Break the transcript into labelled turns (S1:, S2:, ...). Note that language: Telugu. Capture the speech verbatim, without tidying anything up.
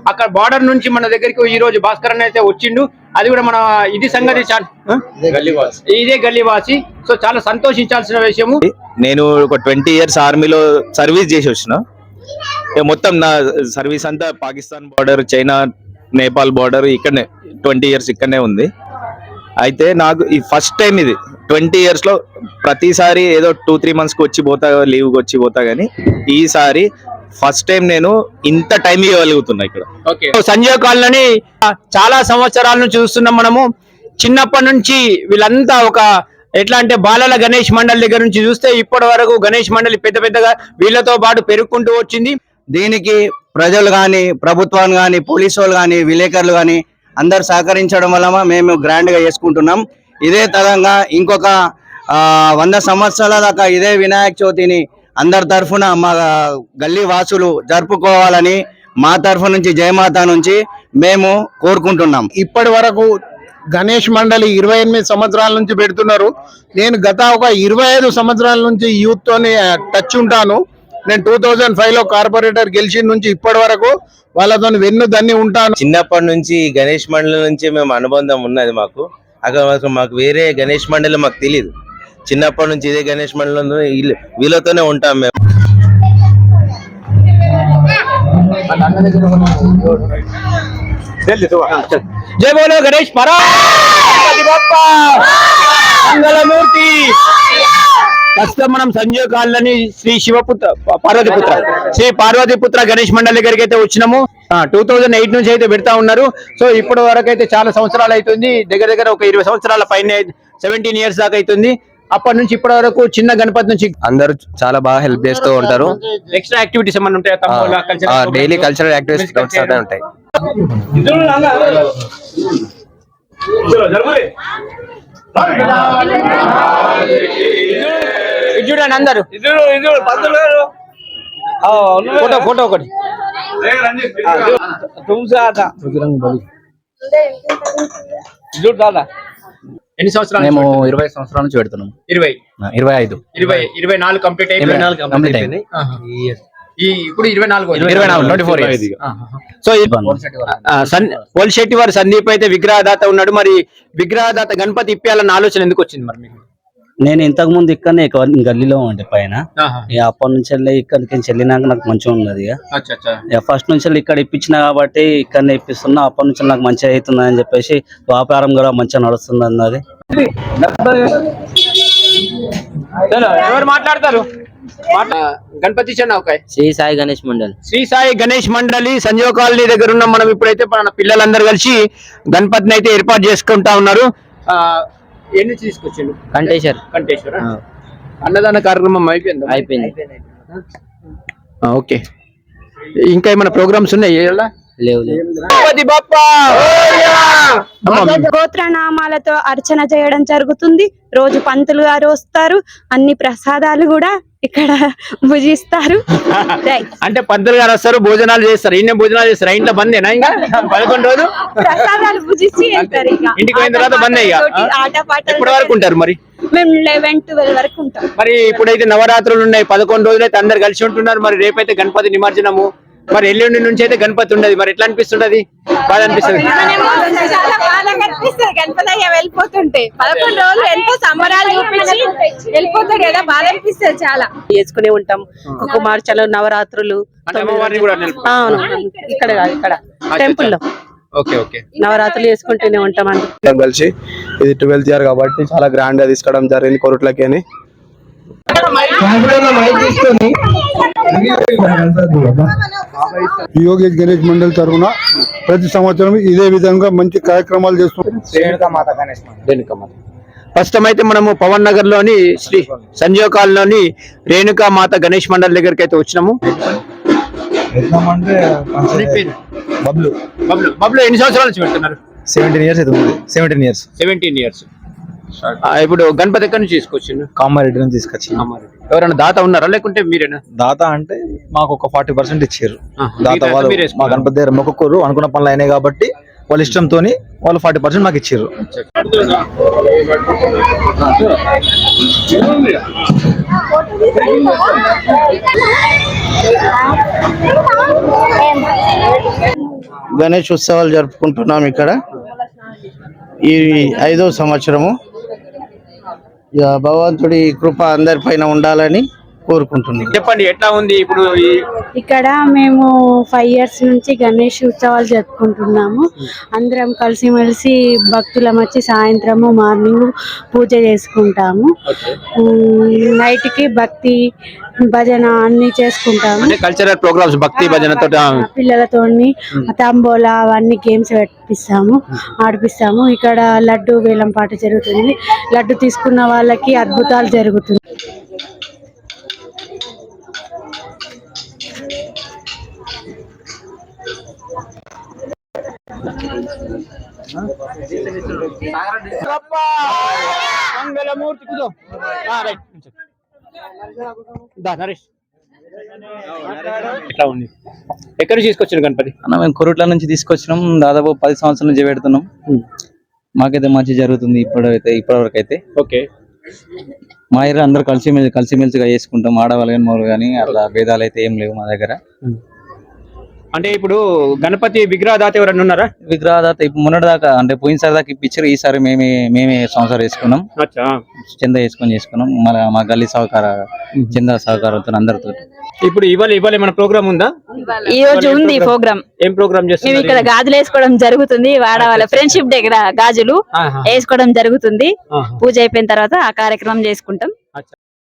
S1: అక్కడ బార్డర్ నుంచి మన దగ్గరికి ఈ రోజు భాస్కర్ అన్న అయితే వచ్చిండు. అది కూడా మన ఇది సంగతి ఇదే గల్లీవాసి. సో చాలా సంతోషించాల్సిన విషయము.
S2: నేను ఒక ట్వంటీ ఇయర్స్ ఆర్మీలో సర్వీస్ చేసి వచ్చిన. మొత్తం నా సర్వీస్ అంతా Pakistan border, China, Nepal border ఇక్కడనే ట్వంటీ ఇయర్స్ ఇక్కడనే ఉంది. అయితే నాకు ఈ ఫస్ట్ టైం ఇది ట్వంటీ ఇయర్స్ లో ప్రతిసారి ఏదో టూ త్రీ మంత్స్ కి వచ్చి పోతా, లీవ్ వచ్చి పోతా గానీ ఈసారి ఫస్ట్ టైం నేను ఇంత టైం ఇవ్వగలుగుతున్నా ఇక్కడ.
S1: సంజయ్ కాలనీ చాలా సంవత్సరాల నుంచి చూస్తున్నాం మనము. చిన్నప్పటి నుంచి వీళ్ళంతా ఒక ఎట్లా అంటే బాలల గణేష్ మండలి దగ్గర నుంచి చూస్తే ఇప్పటి వరకు గణేష్ మండలి పెద్ద పెద్దగా వీళ్ళతో పాటు పెరుగుకుంటూ వచ్చింది.
S3: దీనికి ప్రజలు కానీ, ప్రభుత్వాలు కానీ, పోలీసు వాళ్ళు కానీ, విలేకరులు కానీ అందరు సహకరించడం వల్ల మేము గ్రాండ్ గా చేసుకుంటున్నాం. ఇదే తరంగా ఇంకొక వంద సంవత్సరాల దాకా ఇదే వినాయక చవితిని అందరి తరఫున మా గల్లీ వాసులు జరుపుకోవాలని మా తరఫు నుంచి జయమాత నుంచి మేము కోరుకుంటున్నాం.
S4: ఇప్పటి వరకు గణేష్ మండలి ఇరవై ఎనిమిది సంవత్సరాల నుంచి పెడుతున్నారు. నేను గత ఒక ఇరవై ఐదు సంవత్సరాల నుంచి యూత్ తోని టచ్ ఉంటాను. నేను టూ థౌజండ్ ఫైవ్ లో కార్పొరేటర్ గెలిచిన నుంచి ఇప్పటి వరకు వాళ్ళతో వెన్ను దన్ని ఉంటాను.
S2: చిన్నప్పటి నుంచి గణేష్ మండలి నుంచి మేము అనుబంధం ఉన్నది. మాకు అక్కడ మాకు వేరే గణేష్ మండలి మాకు తెలియదు. చిన్నప్పటి నుంచి ఇదే గణేష్ మండలి వీళ్ళతోనే ఉంటాం మేము.
S1: జై బోలో గణేష్ మంగళమూర్తి. ప్రస్తుతం మనం సంజయ్ కాలనీ శ్రీ శివపుత్ర పార్వతీపుత్ర శ్రీ పార్వతీపుత్ర గణేష్ మండలి దగ్గరికి అయితే వచ్చినాము. టూ థౌజండ్ ఎయిట్ నుంచి అయితే పెడతా ఉన్నారు. సో ఇప్పటి వరకు అయితే చాలా సంవత్సరాలు అవుతుంది. దగ్గర దగ్గర ఒక ఇరవై సంవత్సరాల పైన సెవెంటీన్ ఇయర్స్ దాకా అవుతుంది. అప్పటి నుంచి ఇప్పటి వరకు చిన్న గణపతి నుంచి
S3: అందరూ చాలా బాగా హెల్ప్ చేస్తూ ఉంటారు.
S1: ఎక్స్ట్రా యాక్టివిటీస్ ఏమైనా ఉంటాయి?
S3: డైలీ కల్చరల్ యాక్టివిటీస్ ఉంటాయి.
S1: చూడండి అందరు ఫోటో ఫోటో ఒకటి ఎన్ని సంవత్సరాలు?
S3: మేము ఇరవై సంవత్సరాల నుంచి పెడుతున్నాం.
S1: ఇరవై
S3: ఇరవై ఐదు
S1: ఇరవై ఇరవై నాలుగు కంప్లీట్ అయిపోయింది. ఈ ఇప్పుడు ఇరవై నాలుగు
S3: ఇరవై నాలుగు twenty four years.
S1: So Polisetty వారి సందీప్ అయితే విగ్రహదాత ఉన్నాడు. మరి విగ్రహదాత గణపతి ఇప్పాలన్న ఆలోచన ఎందుకు వచ్చింది మరి మీకు?
S5: నేను ఇంతకు ముందు ఇక్కడనే గల్లీలో ఉండే పైన అప్పటి నుంచి వెళ్ళి ఇక్కడికి వెళ్ళినాక నాకు మంచిగా ఉన్నది. ఇక ఫస్ట్ నుంచి ఇక్కడ ఇప్పించిన కాబట్టి ఇక్కడనే ఇప్పిస్తున్నా. అప్పటి నుంచి నాకు మంచిగా అవుతుంది అని చెప్పేసి వ్యాపారం కూడా మంచిగా నడుస్తుంది అన్నది.
S1: ఎవరు మాట్లాడతారు? గణపతి
S5: శ్రీ సాయి గణేష్ మండలి
S1: శ్రీ సాయి గణేష్ మండలి సంజీవ కాలనీ దగ్గర ఉన్నాం మనం. ఇప్పుడైతే మన పిల్లలందరూ కలిసి గణపతిని అయితే ఏర్పాటు చేసుకుంటా ఉన్నారు. ఎన్ని తీసుకొచ్చిండు?
S5: కంటేశ్వర్
S1: కంటేశ్వర అన్నదాన కార్యక్రమం అయిపోయింది
S5: అయిపోయింది
S1: ఓకే. ఇంకా ఏమైనా ప్రోగ్రామ్స్ ఉన్నాయి?
S5: లేవు.
S6: గోత్రనామాలతో అర్చన చేయడం జరుగుతుంది. రోజు పంతులు గారు వస్తారు. అన్ని ప్రసాదాలు కూడా ఇక్కడ భుజిస్తారు.
S1: అంటే పంతులు గారు వస్తారు, భోజనాలు చేస్తారు. ఇన్ని భోజనాలు చేస్తారు. ఇంట్లో బందేనా? ఇంకా పదకొండు రోజు
S6: ప్రసాదాలు భుజించి వెళ్తారు.
S1: ఇంటికి పోయిన తర్వాత బందే.
S6: ఆట పాటలు
S1: ఎప్పటి వరకు ఉంటారు మరి?
S6: మేము లెవెన్ ట్వెల్వ్ వరకు ఉంటాం.
S1: మరి ఇప్పుడైతే నవరాత్రులు ఉన్నాయి, పదకొండు రోజులు అయితే అందరు కలిసి ఉంటున్నారు. మరి రేపైతే గణపతి నిమజ్జనము, మరి ఎల్లుండి నుంచి అయితే గణపతి ఉండదు. మరి ఎట్లా అనిపిస్తుంటది? బాగా అనిపిస్తుంది.
S6: చాలా బాగా అనిపిస్తుంది. గణపతి అయ్యా వెళ్ళిపోతుంటే పదకొండు రోజులు ఎంతో సంబరాలు చూపించి వెళ్ళిపోతాడు కదా, బాగా అనిపిస్తుంది. చాలా
S7: చేసుకునే ఉంటాం. కుమార్చలు, నవరాత్రులు. అవును, ఇక్కడ కాదు, ఇక్కడ టెంపుల్ లో నవరాత్రులు చేసుకుంటూనే ఉంటాం. అండి
S4: కలిసి ఇది ట్వెల్త్ ఇయర్ కాబట్టి చాలా గ్రాండ్ గా తీసుకోవడం జరిగింది కొరట్లకి అని.
S8: యోగేష్ గణేష్ మండలి తరఫున ప్రతి సంవత్సరం ఇదే విధంగా మంచి కార్యక్రమాలు చేస్తున్నాం.
S1: ప్రస్తుతం అయితే మనము పవన్ నగర్ లోని శ్రీ సంజీవ కాలనీ రేణుకా మాత గణేష్ మండలి దగ్గరికి అయితే వచ్చినాము.
S2: బబ్లు
S1: బబ్లు బబ్లు ఎన్ని సంవత్సరాల నుంచి పెడుతున్నారు?
S2: సెవెంటీన్ ఇయర్స్ అయితే సెవెంటీన్ ఇయర్స్
S1: సెవెంటీన్ ఇయర్స్ ఇప్పుడు గణపతి ఎక్కడి నుంచి తీసుకొచ్చిండు?
S2: కామారెడ్డి నుంచి తీసుకొచ్చి.
S1: ఎవరైనా దాత ఉన్నారా లేకుంటే మీరేనా?
S2: దాత అంటే మాకు ఒక ఫార్టీ పర్సెంట్ ఇచ్చారు. దాత వాళ్ళు మా గణపతి దగ్గర మొక్కుకోరు, అనుకున్న పనులు అయినాయి కాబట్టి వాళ్ళ ఇష్టంతో వాళ్ళు ఫార్టీ పర్సెంట్ మాకు ఇచ్చారు.
S3: గణేష్ ఉత్సవాలు జరుపుకుంటున్నాం ఇక్కడ ఈ ఐదో సంవత్సరము. ఇక భగవంతుడి కృప అందరిపైన ఉండాలని కోరుకుంటున్నాం.
S1: చెప్పండి ఎట్లా ఉంది ఇప్పుడు ఈ
S9: ఇక్కడ మేము ఫైవ్ ఇయర్స్ నుంచి గణేష్ ఉత్సవాలు జరుపుకుంటున్నాము. అందరం కలిసిమెలిసి భక్తులం వచ్చి సాయంత్రము మార్నింగ్ పూజ చేసుకుంటాము. నైట్ కి భక్తి భజన అన్ని చేసుకుంటాము.
S1: కల్చరల్ ప్రోగ్రామ్స్ భక్తి భజనతో
S9: పిల్లలతో తంబోలా అవన్నీ గేమ్స్ పెట్టిస్తాము, ఆడిపిస్తాము. ఇక్కడ లడ్డు వేలం పాట జరుగుతుంది. లడ్డు తీసుకున్న వాళ్ళకి అద్భుతాలు జరుగుతుంది.
S1: మంగళమూర్తి కుదో రైట్ దా నరేష్ ఎట్లా ఉంది? ఎక్కడి నుంచి తీసుకొచ్చిన గణపతి?
S5: అన్న మేము కొరుట్ల నుంచి తీసుకొచ్చినాం. దాదాపు పది సంవత్సరాల నుంచి పెడుతున్నాం. మాకైతే మంచి జరుగుతుంది ఇప్పుడైతే ఇప్పటి వరకు అయితే.
S1: ఓకే,
S5: మా ఏరియా అందరు కలిసిమెలిసి కలిసిమెలిసిగా చేసుకుంటాం. ఆడవాళ్ళు కానీ మగవాళ్ళు కానీ అట్లా భేదాలు అయితే ఏం లేవు మా దగ్గర.
S1: అంటే ఇప్పుడు గణపతి విగ్రహదాత ఎవరన్నా ఉన్నారా?
S5: విగ్రహదాత ఇప్పుడు మొన్నటి దాకా అంటే పోయినసారి దాకా ఇప్పించారు. ఈసారి మేమే మేమే సంవత్సరం వేసుకున్నాం. చందా వేసుకొని చేసుకున్నాం. మళ్ళీ మా గల్లీ సహకార చందా సహకారంతో అందరితో.
S1: ఇప్పుడు ఇవాళ ఇవాళ ఏమైనా ప్రోగ్రామ్ ఉందా?
S6: ఈ రోజు ఉంది ప్రోగ్రామ్.
S1: ఏం ప్రోగ్రామ్
S6: మేము
S1: చేస్తున్నారు?
S6: ఇక్కడ గాజులు వేసుకోవడం జరుగుతుంది. వాడవాళ్ళ ఫ్రెండ్షిప్ డే గాజులు వేసుకోవడం జరుగుతుంది. పూజ అయిపోయిన తర్వాత ఆ కార్యక్రమం చేసుకుంటాం.